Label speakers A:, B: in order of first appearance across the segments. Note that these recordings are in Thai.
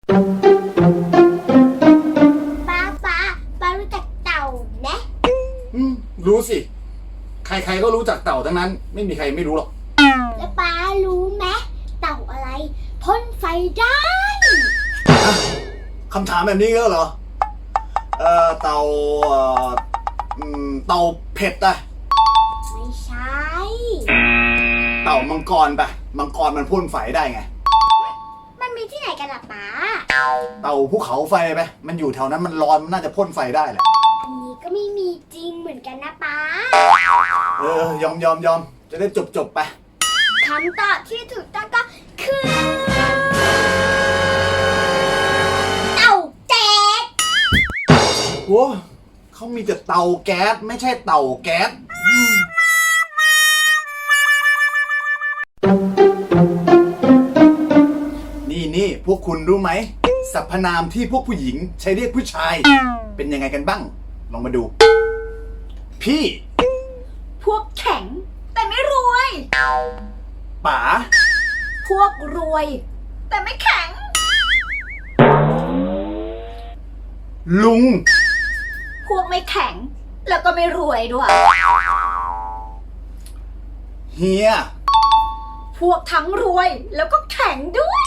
A: ป้ารู้จักเต่าไหม
B: รู้สิใครๆก็รู้จักเต่าทั้งนั้นไม่มีใครไม่รู้หรอก
A: แล้วป้ารู้ไหมเต่าอะไรพ่นไฟได้
B: คำถามแบบนี้ก็เหรอเต่าเต่าเผ็ดอะ
A: ไม่ใช่
B: เต่ามังกรปะมังกรมันพ่นไฟได้ไง
A: มันมีที่ไหนกันล่ะป้า
B: เต่าภูเขาไฟไปมันอยู่แถวนั้นมันร้อนมันน่าจะพ่นไฟได้แหละ
A: อันนี้ก็ไม่มีจริงเหมือนกันนะป้
B: ายอมจะได้จบไป
A: คำตอบที่ถูกต้องก็คือเต่าแจ๊ก
B: โว้เขามีแต่เตาแก๊สไม่ใช่เต่าแก๊สนี่พวกคุณรู้ไหมสรรพนามที่พวกผู้หญิงใช้เรียกผู้ชายเป็นยังไงกันบ้างลองมาดูพี่
C: พวกแข็งแต่ไม่รวย
B: ป๋า
C: พวกรวยแต่ไม่แข็ง
B: ลุง
C: พวกไม่แข็งแล้วก็ไม่รวยด้วย
B: เฮีย
C: พวกทั้งรวยแล้วก็แข็งด้วย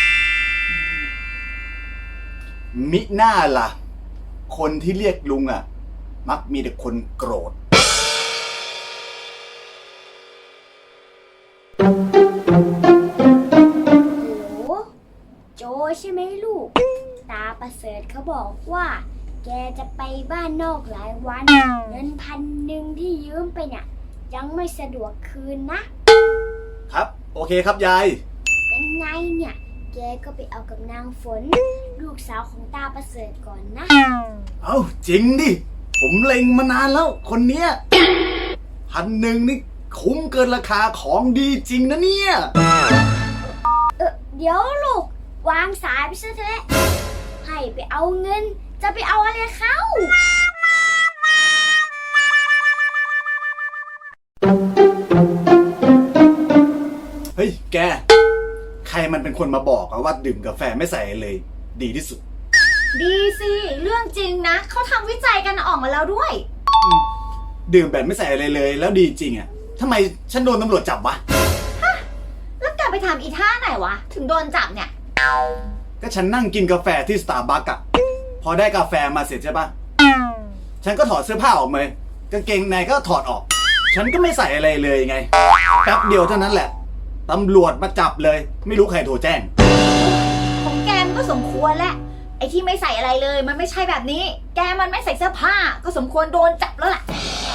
B: มิน่าล่ะคนที่เรียกลุงอ่ะมักมีแต่คนโกรธ
A: โหโจใช่ไหมลูกตาประเสริฐเขาบอกว่าแกจะไปบ้านนอกหลายวันเงิน1,000ที่ยืมไปเนี่ยยังไม่สะดวกคืนนะครับ
B: โอเคครับยาย
A: ยังไงเนี่ยแกก็ไปเอากับนางฝนลูกสาวของตาประเสริฐก่อนนะ
B: เอ้าจริงดิผมเล็งมานานแล้วคนเนี้ย1,000นี่คุ้มเกินราคาของดีจริงนะเนี่ย
A: เดี๋ยวลูกวางสายไปซะเถอะให้ไปเอาเงินจะไปเอาอะไรเขา
B: เฮ้ยแกใครมันเป็นคนมาบอกว่าดื่มกาแฟไม่ใส่เลยดีที่สุด
C: ดีสิเรื่องจริงนะเขาทำวิจัยกันออกมาแล้วด้วย
B: ดื่มแบบไม่ใส่อะไรเลยแล้วดีจริงอ่ะทำไมฉันโดนตำรวจจับวะ
C: ฮะแล้วแกไปทำอีท่าไหนวะถึงโดนจับเนี่ย
B: ก็ฉันนั่งกินกาแฟที่สตาร์บัคอะพอได้กาแฟมาเสร็จใช่ปะฉันก็ถอดเสื้อผ้าออกเลยกางเกงในก็ถอดออกฉันก็ไม่ใส่อะไรเลยไงแป๊บเดียวเท่านั้นแหละตำรวจมาจับเลยไม่รู้ใครโทรแจ้ง
C: ของแกมันก็สมควรแหละไอ้ที่ไม่ใส่อะไรเลยมันไม่ใช่แบบนี้แกมันไม่ใส่เสื้อผ้าก็สมควรโดนจับแล้วแหละ